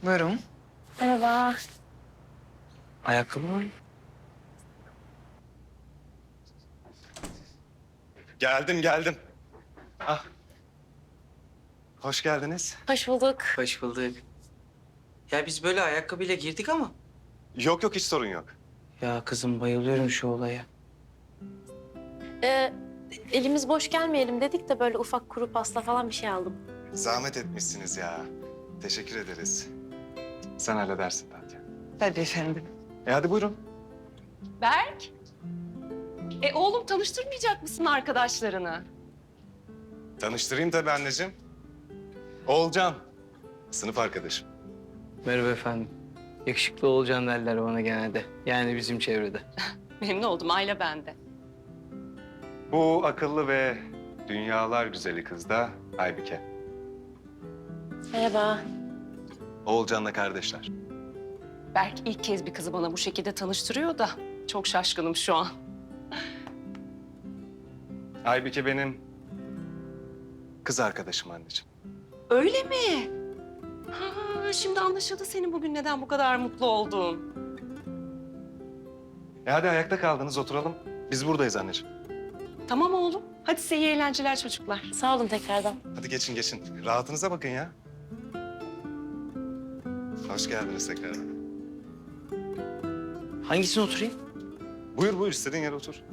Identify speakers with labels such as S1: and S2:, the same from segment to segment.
S1: Buyurun.
S2: Merhaba.
S1: Ayakkabı mı?
S3: Geldim. Ah. Hoş geldiniz.
S2: Hoş bulduk.
S1: Hoş bulduk. Ya biz böyle ayakkabıyla girdik ama.
S3: Yok hiç sorun yok.
S1: Ya kızım bayılıyorum şu olaya.
S2: Ee, elimiz boş gelmeyelim dedik de böyle ufak kuru pasta falan bir şey aldım.
S3: Zahmet etmişsiniz ya. Teşekkür ederiz. Sen halledersin Tatya.
S1: Hadi efendim.
S3: Hadi buyurun.
S4: Berk. Oğlum tanıştırmayacak mısın arkadaşlarını?
S3: Tanıştırayım tabii anneciğim. Oğulcan. Sınıf arkadaşım.
S1: Merhaba efendim. Yakışıklı olacaksın derler bana genelde. Yani bizim çevrede.
S4: Memnun oldum, aile bende.
S3: Bu akıllı ve dünyalar güzeli kız da Aybike.
S2: Merhaba.
S3: Oğulcan'la kardeşler.
S4: Berk ilk kez bir kızı bana bu şekilde tanıştırıyor da çok şaşkınım şu an.
S3: Aybike benim kız arkadaşım anneciğim.
S4: Öyle mi? Ha, şimdi anlaşıldı senin bugün neden bu kadar mutlu olduğun.
S3: Hadi ayakta kaldınız oturalım. Biz buradayız anneciğim.
S4: Tamam oğlum. Hadi size iyi eğlenceler çocuklar.
S2: Sağ olun tekrardan.
S3: Hadi geçin. Rahatınıza bakın ya. Hoş geldiniz tekrardan.
S1: Hangisine oturayım?
S3: Buyur istediğin yere otur.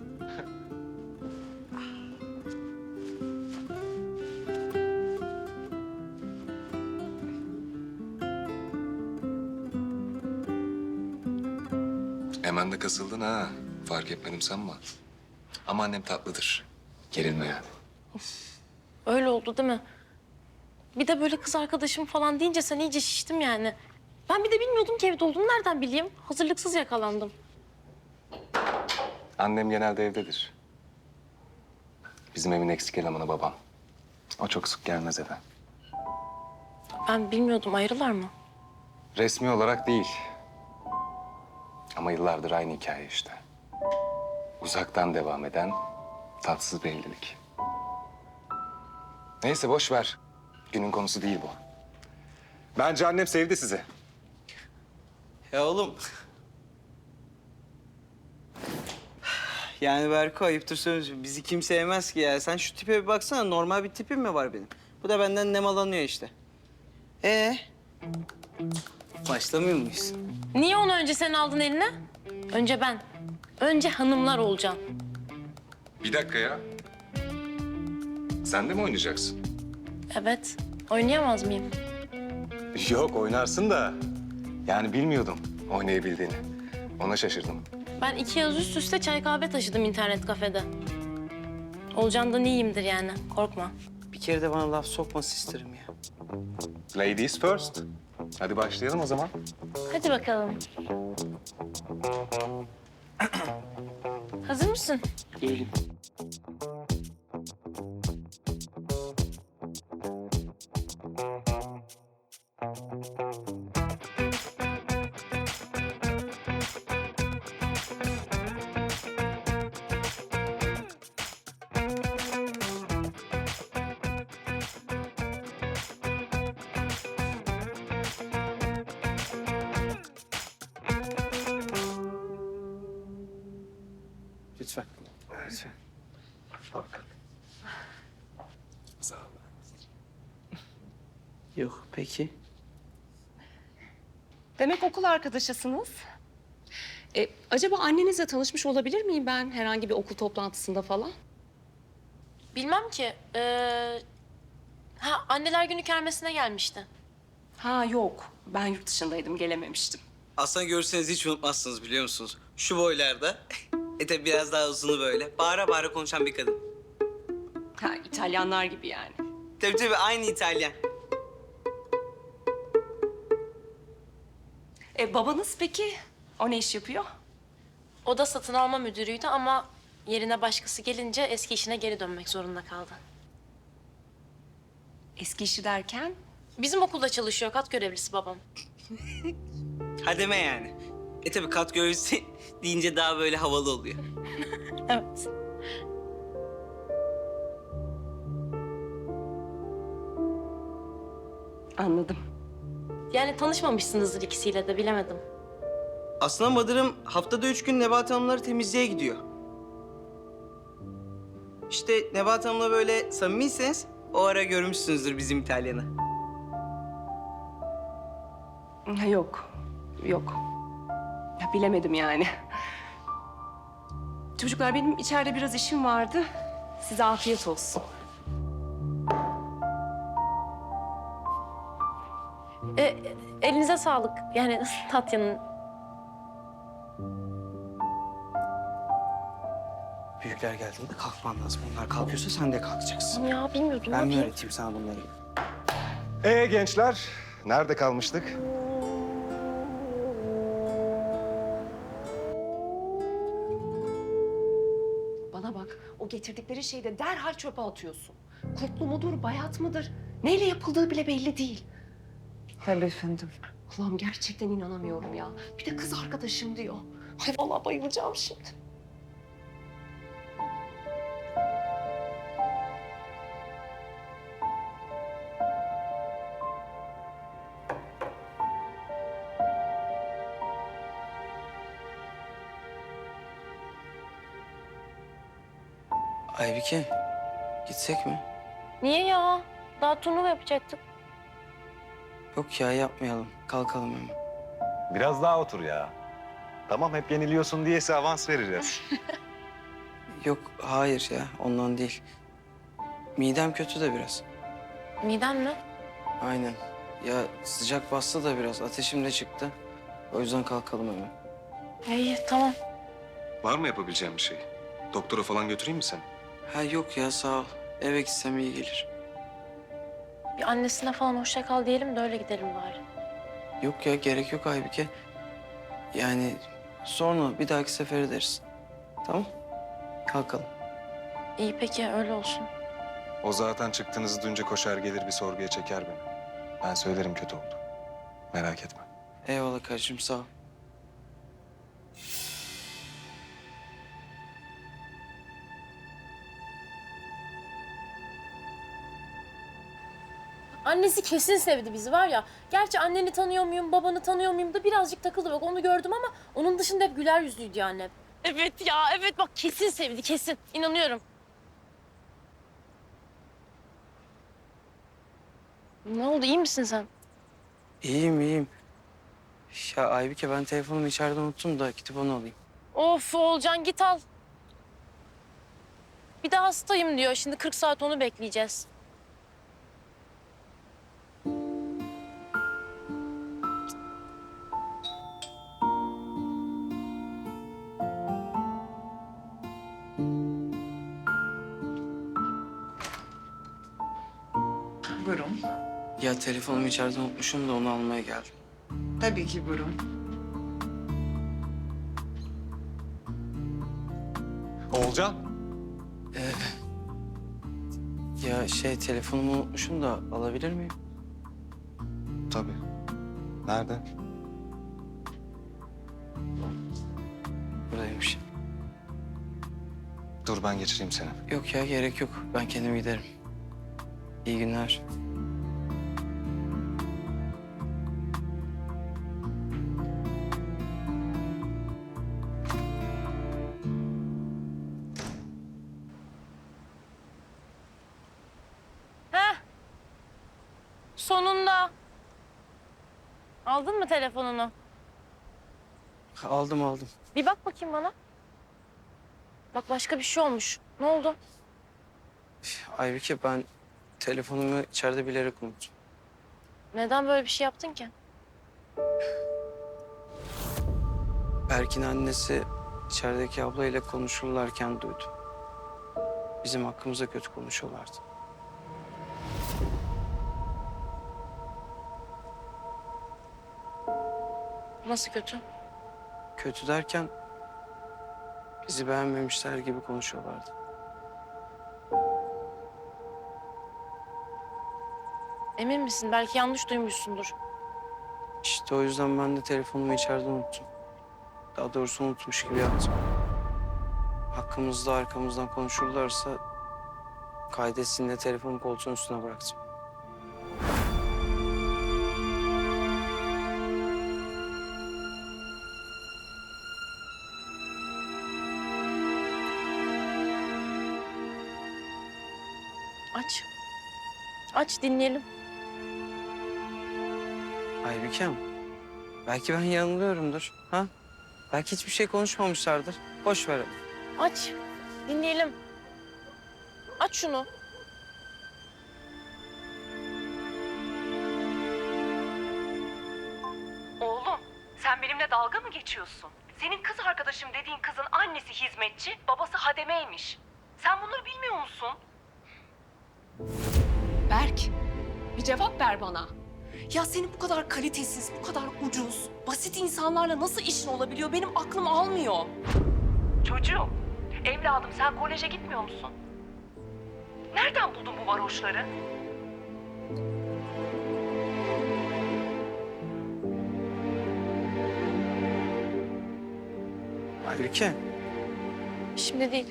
S5: Hemen de kasıldın ha. Fark etmedim sanma. Ama annem tatlıdır. Gerilme yani.
S2: Öyle oldu değil mi? Bir de böyle kız arkadaşım falan deyince sen iyice şiştim yani. Ben bir de bilmiyordum ki evde olduğunu nereden bileyim? Hazırlıksız yakalandım.
S5: Annem genelde evdedir. Bizim evin eksik elemanı babam. O çok sık gelmez eve.
S2: Ben bilmiyordum ayrılar mı?
S5: Resmi olarak değil. Ama yıllardır aynı hikaye işte. Uzaktan devam eden tatsız bir evlilik. Neyse boş ver. Günün konusu değil bu.
S3: Bence annem sevdi sizi.
S1: Ya oğlum. Yani Berko ayıptır söylüyorsun. Bizi kimse sevmez ki ya. Sen şu tipe bir baksana. Normal bir tipim mi var benim? Bu da benden nemalanıyor işte. Başlamıyor muyuz?
S2: Niye onu önce sen aldın eline? Önce ben. Önce hanımlar olacaksın.
S5: Bir dakika ya. Sen de mi oynayacaksın?
S2: Evet. Oynayamaz mıyım?
S3: Yok oynarsın da. Yani bilmiyordum oynayabildiğini. Ona şaşırdım.
S2: Ben 2 yaz üst üste çay kahve taşıdım internet kafede. Olcan'dan iyiyimdir yani. Korkma.
S1: Bir kere de bana laf sokması isterim ya.
S3: Ladies first. Hadi başlayalım o zaman.
S2: Hadi bakalım. Hazır mısın?
S1: Değilim. Lütfen. Lütfen.
S5: Sağ ol.
S1: Yok peki.
S4: Demek okul arkadaşısınız. Acaba annenizle tanışmış olabilir miyim ben herhangi bir okul toplantısında falan?
S2: Bilmem ki. Anneler Günü kermesine gelmişti.
S4: Ha yok. Ben yurt dışındaydım, gelememiştim.
S6: Aslında görseniz hiç unutmazsınız biliyor musunuz? Şu boylarda, tabii biraz daha uzunu böyle, bağıra bağıra konuşan bir kadın.
S4: Ha, İtalyanlar gibi yani.
S6: Tabii aynı İtalyan.
S4: Babanız peki? O ne iş yapıyor?
S2: O da satın alma müdürüydü ama yerine başkası gelince eski işine geri dönmek zorunda kaldı.
S4: Eski işi derken?
S2: Bizim okulda çalışıyor, kat görevlisi babam.
S6: Ha deme yani. Tabii kat görevlisi deyince daha böyle havalı oluyor.
S2: Evet.
S4: Anladım.
S2: Yani tanışmamışsınızdır ikisiyle de bilemedim.
S1: Aslında Madır'ım haftada 3 gün Nebahat Hanımları temizliğe gidiyor. İşte Nebahat Hanım'la böyle samimiyseniz o ara görmüşsünüzdür bizim İtalyan'ı.
S4: Yok, yok. Ya bilemedim yani. Çocuklar benim içeride biraz işim vardı. Size afiyet olsun.
S2: Elinize sağlık. Yani Tatya'nın.
S1: Büyükler geldiğinde kalkman lazım. Onlar kalkıyorsa sen de kalkacaksın.
S2: Ya bilmiyordum.
S1: Ben mi
S2: yapayım?
S1: öğreteyim sana bunları?
S3: Gençler, nerede kalmıştık?
S4: Bana bak, o getirdikleri şeyi de derhal çöpe atıyorsun. Kurtlu mudur, bayat mıdır? Neyle yapıldığı bile belli değil.
S7: Tabii efendim.
S4: Allah'ım gerçekten inanamıyorum ya. Bir de kız arkadaşım diyor. Ay vallahi bayılacağım şimdi.
S1: Aybike, gitsek mi?
S2: Niye ya? Daha turnuva yapacaktık.
S1: Yok ya, yapmayalım. Kalkalım hemen.
S3: Biraz daha otur ya. Tamam, hep yeniliyorsun diyese avans vereceğiz.
S1: Yok, hayır ya. Ondan değil. Midem kötü de biraz.
S2: Miden mi?
S1: Aynen. Ya sıcak bastı da biraz. Ateşim de çıktı. O yüzden kalkalım hemen.
S2: İyi tamam.
S5: Var mı yapabileceğim bir şey? Doktora falan götüreyim mi seni?
S1: Ha yok ya, sağ ol. Eve gitsem iyi gelir.
S2: Bir annesine falan hoşça kal diyelim de öyle gidelim bari.
S1: Yok ya, gerek yok Aybike. Yani sonra bir dahaki sefer ederiz. Tamam? Kalkalım.
S2: İyi peki öyle olsun.
S5: O zaten çıktığınızı duyunca koşar gelir bir sorguya çeker beni. Ben söylerim kötü oldu. Merak etme.
S1: Eyvallah kardeşim, sağ ol.
S2: Annesi kesin sevdi bizi var ya. Gerçi anneni tanıyor muyum, babanı tanıyor muyum da birazcık takıldı. Bak onu gördüm ama onun dışında hep güler yüzlüydü annem. Evet ya, evet bak kesin sevdi, kesin. İnanıyorum. Ne oldu, iyi misin sen?
S1: İyiyim, iyiyim. Ya Aybike, ben telefonumu içeride unuttum da gidip onu alayım.
S2: Of Oğulcan git al. Bir de hastayım diyor. Şimdi 40 saat onu bekleyeceğiz.
S7: Buyurun.
S1: Ya telefonumu içeride unutmuşum da onu almaya geldim.
S7: Tabii ki buyurun.
S3: Oğulcan.
S1: Ya telefonumu unutmuşum da alabilir miyim?
S5: Tabii. Nerede?
S1: Buradaymış.
S5: Dur ben geçireyim seni.
S1: Yok ya, gerek yok. Ben kendim giderim. İyi günler.
S2: Heh. Sonunda. Aldın mı telefonunu?
S1: Aldım, aldım.
S2: Bir bak bakayım bana. Bak başka bir şey olmuş. Ne oldu?
S1: Aybike, ben telefonumu içeride bilerek unuttum.
S2: Neden böyle bir şey yaptın ki?
S1: Berk'in annesi içerideki ablayla konuşurlarken duydum. Bizim hakkımızda kötü konuşuyorlardı.
S2: Nasıl kötü?
S1: Kötü derken bizi beğenmemişler gibi konuşuyorlardı.
S2: Emin misin? Belki yanlış duymuşsundur.
S1: İşte o yüzden ben de telefonumu içeride unuttum. Daha doğrusu unutmuş gibi yaptım. Hakkımızda arkamızdan konuşurlarsa kaydetsin de telefonu koltuğun üstüne bıraktım.
S2: Aç. Aç dinleyelim.
S1: Aybükem, belki ben yanılıyorumdur. Ha? Belki hiçbir şey konuşmamışlardır. Boş ver.
S2: Aç. Dinleyelim. Aç şunu.
S4: Oğlum, sen benimle dalga mı geçiyorsun? Senin kız arkadaşım dediğin kızın annesi hizmetçi, babası hademeymiş. Sen bunları bilmiyor musun? Berk, bir cevap ver bana. Ya senin bu kadar kalitesiz, bu kadar ucuz, basit insanlarla nasıl işin olabiliyor? Benim aklım almıyor. Çocuğum, evladım sen koleje gitmiyor musun? Nereden buldun bu varoşları?
S1: Aybüke,
S2: Şimdi değil.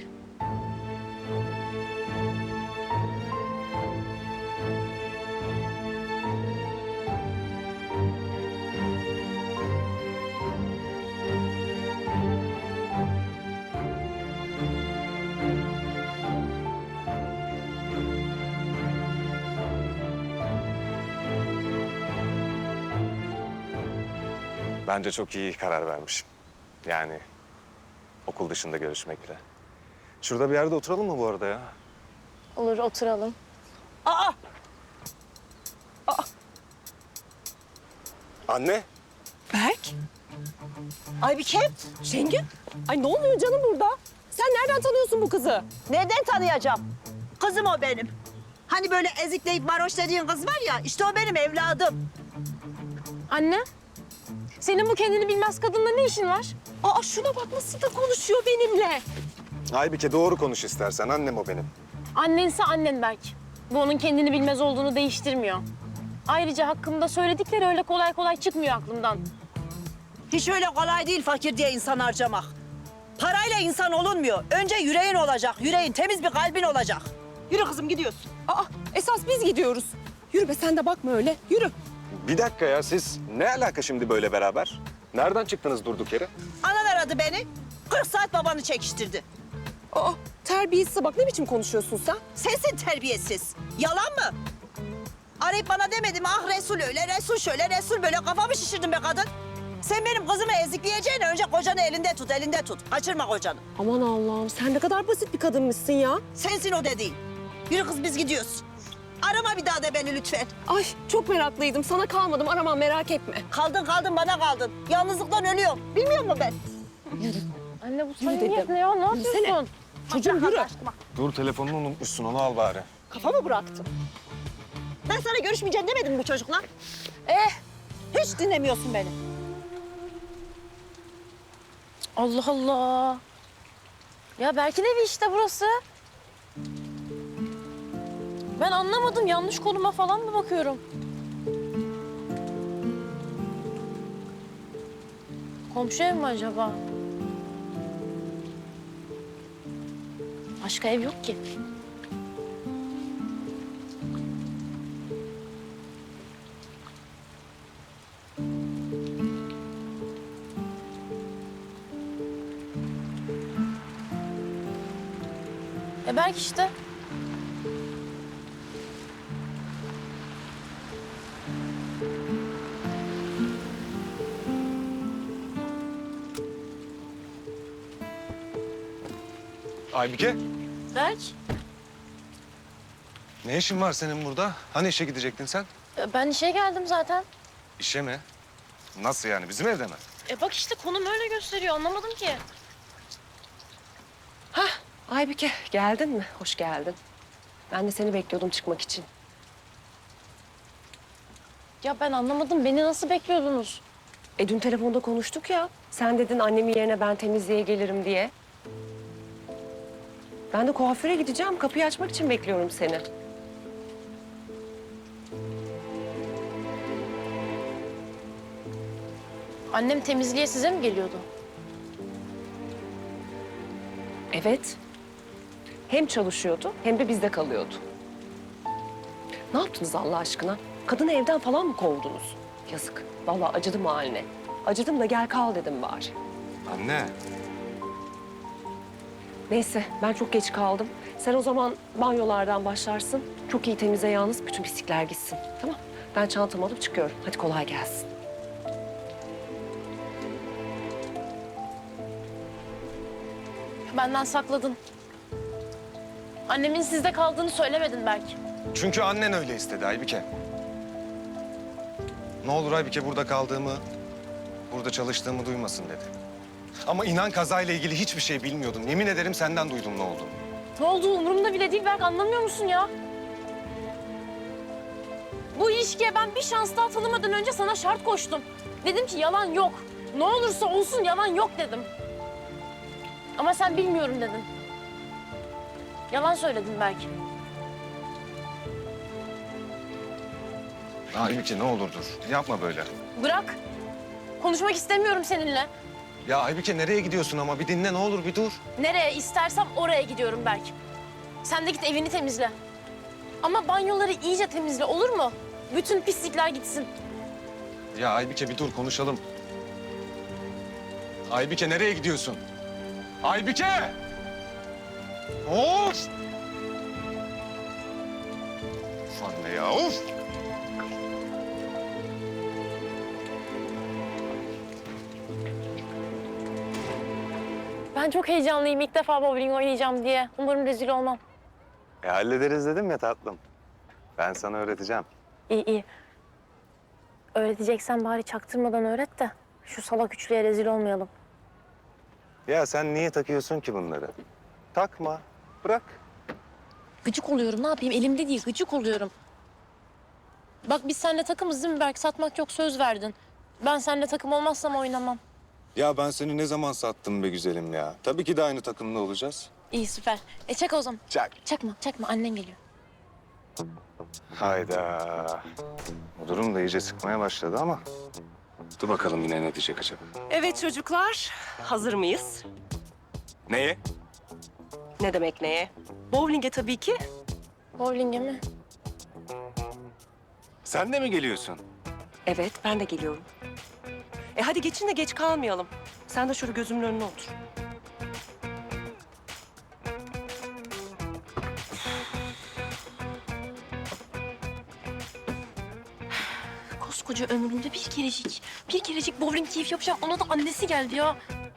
S5: Bence çok iyi karar vermişim. Yani okul dışında görüşmekle. Şurada bir yerde oturalım mı bu arada ya?
S2: Olur oturalım.
S5: Anne.
S8: Berk? Aybüke? Şengül? Ay ne oluyor canım burada? Sen nereden tanıyorsun bu kızı?
S9: Nereden tanıyacağım? Kızım o benim. Hani böyle ezikleyip varoş dediğin kız var ya, işte o benim evladım.
S2: Anne. Senin bu kendini bilmez kadınla ne işin var?
S8: Aa şuna bak nasıl da konuşuyor benimle.
S5: Aybüke doğru konuş istersen. Annem o benim.
S2: Annense annen belki. Bu onun kendini bilmez olduğunu değiştirmiyor. Ayrıca hakkımda söyledikleri öyle kolay kolay çıkmıyor aklımdan.
S9: Hiç öyle kolay değil fakir diye insan harcamak. Parayla insan olunmuyor. Önce yüreğin olacak, yüreğin, temiz bir kalbin olacak. Yürü kızım gidiyorsun.
S8: Aa esas biz gidiyoruz. Yürü be sen de bakma öyle. Yürü.
S5: Bir dakika ya siz ne alaka şimdi böyle beraber? Nereden çıktınız durduk yere?
S9: Anan aradı beni. 40 saat babanı çekiştirdi.
S8: Aa terbiyesiz bak ne biçim konuşuyorsun sen?
S9: Sensin terbiyesiz. Yalan mı? Arayıp bana demedim ah Resul öyle, Resul şöyle, Resul böyle kafamı şişirdin be kadın. Sen benim kızımı ezikleyeceğine önce kocanı elinde tut, elinde tut. Kaçırma kocanı.
S8: Aman Allah'ım sen ne kadar basit bir kadınmışsın ya.
S9: Sensin o dediğin. Yürü kız biz gidiyoruz. Arama bir daha da beni lütfen.
S8: Ay çok meraklıydım sana kalmadım aramam merak etme.
S9: Kaldın bana kaldın. Yalnızlıktan ölüyorum. Bilmiyor musun ben?
S2: Anne bu
S8: Yürü
S2: samimiyet
S8: dedim.
S2: ne ya? Ne
S8: Yürüsene.
S2: yapıyorsun?
S8: Çocuğum yürü.
S5: Dur telefonunu unutmuşsun onu al bari.
S9: Kafamı bıraktım. Ben sana görüşmeyeceğim demedim mi bu çocukla? Hiç dinlemiyorsun beni.
S2: Allah Allah. Ya Berk'in evi işte burası. Ben anlamadım. Yanlış konuma falan mı bakıyorum? Komşu ev mi acaba? Başka ev yok ki. Berk işte.
S5: Aybüke
S2: Berk,
S5: ne işin var senin burada? Hani işe gidecektin sen?
S2: ben işe geldim zaten.
S5: İşe mi? Nasıl yani bizim evde mi?
S2: Bak işte konum öyle gösteriyor. Anlamadım ki.
S4: Aybüke geldin mi? Hoş geldin. Ben de seni bekliyordum çıkmak için.
S2: Ya ben anlamadım. Beni nasıl bekliyordunuz?
S4: Dün telefonda konuştuk ya. Sen dedin annemin yerine ben temizliğe gelirim diye. Ben de kuaföre gideceğim. Kapıyı açmak için bekliyorum seni.
S2: Annem temizliğe size mi geliyordu?
S4: Evet. Hem çalışıyordu hem de bizde kalıyordu. Ne yaptınız Allah aşkına? Kadını evden falan mı kovdunuz? Yazık. Vallahi acıdım haline. Acıdım da gel kal dedim bari.
S5: Anne.
S8: Neyse ben çok geç kaldım. Sen o zaman banyolardan başlarsın. Çok iyi temizle yalnız bütün pislikler gitsin. Tamam. Ben çantamı alıp çıkıyorum. Hadi kolay gelsin.
S2: Benden sakladın. Annemin sizde kaldığını söylemedin belki.
S5: Çünkü annen öyle istedi Aybike. Ne olur Aybike burada kaldığımı, burada çalıştığımı duymasın dedi. Ama inan kazayla ilgili hiçbir şey bilmiyordum. Yemin ederim senden duydum ne olduğunu.
S2: Ne olduğu umurumda bile değil Berk, anlamıyor musun ya? Bu ilişkiye ben bir şans daha tanımadan önce sana şart koştum. Dedim ki yalan yok. Ne olursa olsun yalan yok dedim. Ama sen bilmiyorum dedin. Yalan söyledin belki.
S5: Aybike ne olur dur. Yapma böyle.
S2: Bırak. Konuşmak istemiyorum seninle.
S5: Ya Aybike nereye gidiyorsun ama bir dinle ne olur bir dur.
S2: Nereye istersem oraya gidiyorum belki. Sen de git evini temizle. Ama banyoları iyice temizle, olur mu? Bütün pislikler gitsin.
S5: Ya Aybike bir dur konuşalım. Aybike nereye gidiyorsun? Aybike! Of! Of anne ya of!
S2: Ben çok heyecanlıyım. İlk defa bowling oynayacağım diye. Umarım rezil olmam.
S5: Hallederiz dedim ya tatlım. Ben sana öğreteceğim.
S2: İyi iyi. Öğreteceksen bari çaktırmadan öğret de şu salak üçlüye rezil olmayalım.
S5: Ya sen niye takıyorsun ki bunları? Takma, bırak.
S2: Gıcık oluyorum. Ne yapayım? Elimde değil. Gıcık oluyorum. Bak biz seninle takımız değil mi Berk? Satmak yok, söz verdin. Ben seninle takım olmazsam oynamam.
S5: Ya ben seni ne zaman sattım be güzelim ya? Tabii ki de aynı takımda olacağız.
S2: İyi süper. Çak o zaman.
S5: Çak.
S2: Çakma. Annen geliyor.
S5: Hayda. Bu durum da iyice sıkmaya başladı ama... Dur bakalım yine ne diyecek acaba?
S8: Evet çocuklar, hazır mıyız?
S5: Neye?
S8: Ne demek neye? Bowling'e tabii ki.
S2: Bowling'e mi?
S5: Sen de mi geliyorsun?
S8: Evet, ben de geliyorum. Hadi geçin de geç kalmayalım. Sen de şöyle gözümün önüne otur.
S2: Koskoca ömrümde bir kerecik bowling keyif yapacağım. Ona da annesi geldi ya.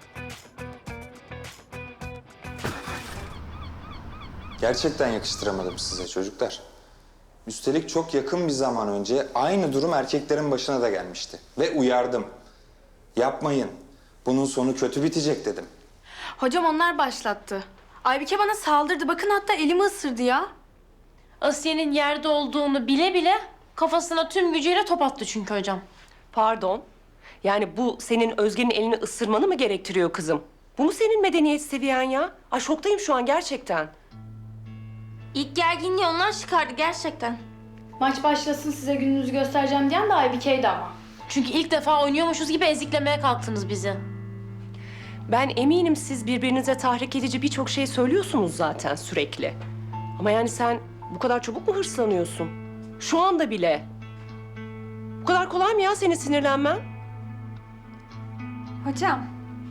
S10: Gerçekten yakıştıramadım size çocuklar. Üstelik çok yakın bir zaman önce aynı durum erkeklerin başına da gelmişti. Ve uyardım. Yapmayın. Bunun sonu kötü bitecek dedim.
S11: Hocam onlar başlattı. Aybike bana saldırdı. Bakın hatta elimi ısırdı ya.
S2: Asiye'nin yerde olduğunu bile bile kafasına tüm gücüyle top attı çünkü hocam.
S8: Pardon. Yani bu senin Özge'nin elini ısırmanı mı gerektiriyor kızım? Bu mu senin medeniyet seviyen ya? Ay şoktayım şu an gerçekten.
S11: İlk gerginliği onlar çıkardı gerçekten. Maç başlasın size gününüzü göstereceğim diyen de Aybike'ydi ama.
S2: Çünkü ilk defa oynuyormuşuz gibi eziklemeye kalktınız bizi.
S8: Ben eminim siz birbirinize tahrik edici birçok şey söylüyorsunuz zaten sürekli. Ama yani sen bu kadar çabuk mu hırslanıyorsun? Şu anda bile. Bu kadar kolay mı ya senin sinirlenmen?
S11: Hocam,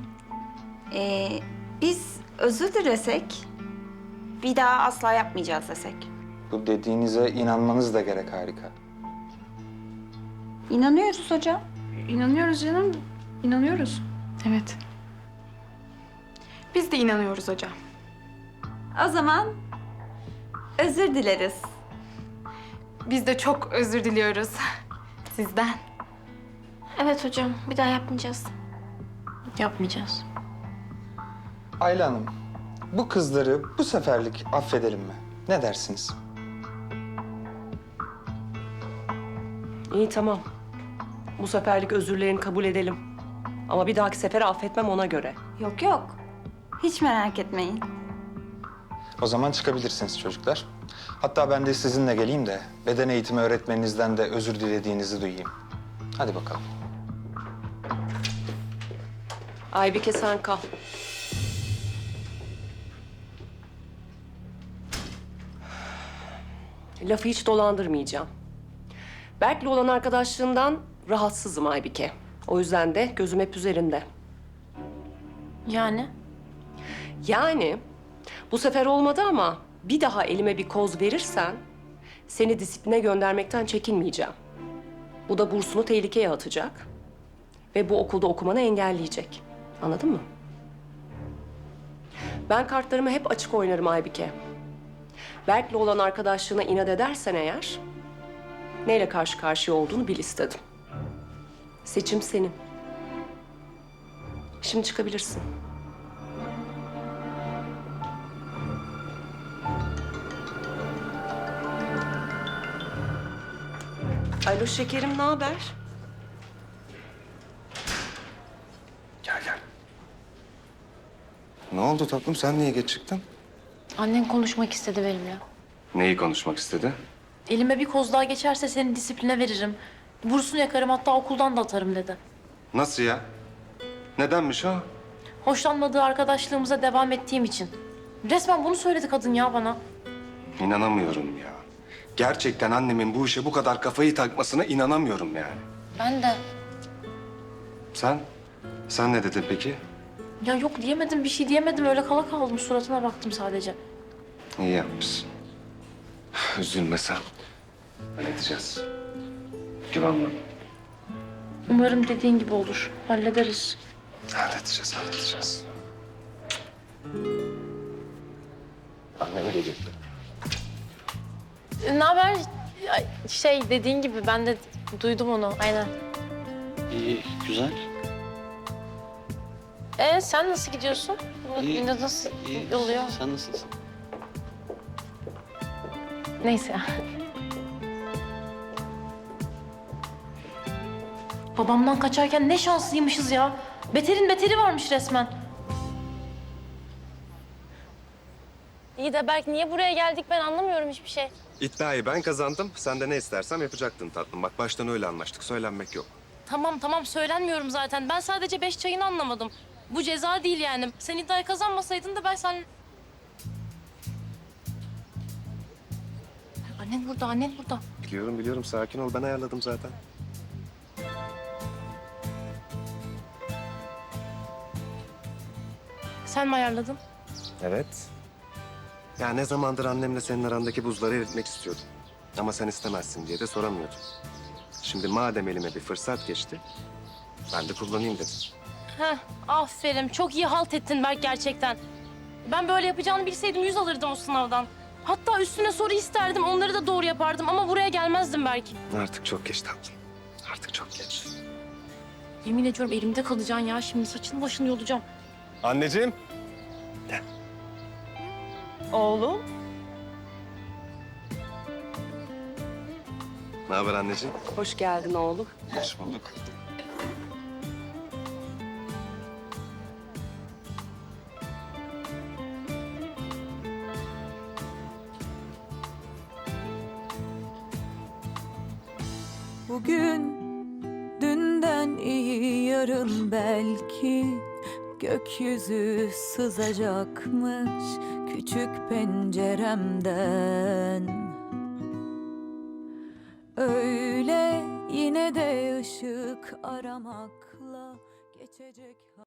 S11: biz özür dilesek, bir daha asla yapmayacağız desek.
S10: Bu dediğinize inanmanız da gerek harika.
S11: İnanıyoruz hocam.
S12: İnanıyoruz canım, inanıyoruz. Evet. Biz de inanıyoruz hocam.
S11: O zaman özür dileriz.
S12: Biz de çok özür diliyoruz sizden.
S2: Evet hocam, bir daha yapmayacağız. Yapmayacağız.
S10: Ayla Hanım, bu kızları bu seferlik affedelim mi? Ne dersiniz?
S8: İyi tamam. Bu seferlik özürlerini kabul edelim. Ama bir dahaki sefere affetmem ona göre.
S11: Yok yok. Hiç merak etmeyin.
S10: O zaman çıkabilirsiniz çocuklar. Hatta ben de sizinle geleyim de beden eğitimi öğretmeninizden de özür dilediğinizi duyayım. Hadi bakalım.
S8: Aybike sen kal. Lafı hiç dolandırmayacağım. Berk'le olan arkadaşlığından rahatsızım Aybike. O yüzden de gözüm hep üzerinde.
S2: Yani?
S8: Yani Bu sefer olmadı ama bir daha elime bir koz verirsen seni disipline göndermekten çekinmeyeceğim. Bu da bursunu tehlikeye atacak ve bu okulda okumanı engelleyecek. Anladın mı? Ben kartlarımı hep açık oynarım Aybike. Berk'le olan arkadaşlığına inat edersen eğer, neyle karşı karşıya olduğunu bil istedim. Seçim senin. Şimdi çıkabilirsin. Alo şekerim, ne haber?
S5: Gel gel. Ne oldu tatlım? Sen niye geç çıktın?
S2: Annen konuşmak istedi benimle.
S5: Neyi konuşmak istedi?
S2: Elime bir koz daha geçerse seni disipline veririm. Bursunu yakarım, hatta okuldan da atarım dedi.
S5: Nasıl ya? Nedenmiş o?
S2: Hoşlanmadığı arkadaşlığımıza devam ettiğim için. Resmen bunu söyledi kadın ya bana.
S5: İnanamıyorum ya. Gerçekten annemin bu işe bu kadar kafayı takmasına inanamıyorum yani.
S2: Ben de.
S5: Sen? Sen ne dedin peki?
S2: Ya yok diyemedim, bir şey diyemedim. Öyle kala kaldım, suratına baktım sadece.
S5: İyi yapmışsın. Üzülme sen. Halledeceğiz. Güven bana.
S2: Umarım dediğin gibi olur. Hallederiz.
S5: Halledeceğiz, halledeceğiz. Anneme geliyor.
S2: Ne haber? Ay, şey dediğin gibi ben de duydum onu. Aynen.
S6: İyi, güzel.
S2: Sen nasıl gidiyorsun?
S6: İyi,
S2: Nasıl
S6: İyi.
S2: oluyor?
S6: Sen nasılsın?
S2: Neyse. Babamdan kaçarken ne şanslıymışız ya. Beterin beteri varmış resmen. İyi de Berk, niye buraya geldik ben anlamıyorum hiçbir şey.
S5: İddiayı ben kazandım. Sen de ne istersem yapacaktın tatlım. Bak baştan öyle anlaştık. Söylenmek yok.
S2: Tamam söylenmiyorum zaten. Ben sadece 5 çayını anlamadım. Bu ceza değil yani. Sen iddiayı kazanmasaydın da ben sen... Annen burada.
S5: Biliyorum. Sakin ol. Ben ayarladım zaten.
S2: Sen mi ayarladın?
S5: Evet. Ya ne zamandır annemle senin arandaki buzları eritmek istiyordum. Ama sen istemezsin diye de soramıyordum. Şimdi madem elime bir fırsat geçti, ben de kullanayım dedim.
S2: Heh, aferin. Çok iyi halt ettin Berk gerçekten. Ben böyle yapacağını bilseydim 100 alırdım o sınavdan. Hatta üstüne soru isterdim, onları da doğru yapardım ama buraya gelmezdim belki.
S5: Artık çok geç tatlım. Artık çok geç.
S2: Yemin ediyorum elimde kalacaksın ya. Şimdi saçını başını yolacağım.
S5: Anneciğim.
S9: Oğlum.
S5: Ne haber anneciğim?
S8: Hoş geldin oğlum.
S5: Hoş bulduk.
S13: Bugün dünden iyi yarın belki gökyüzü sızacakmış küçük penceremden. Öyle yine de ışık aramakla geçecek.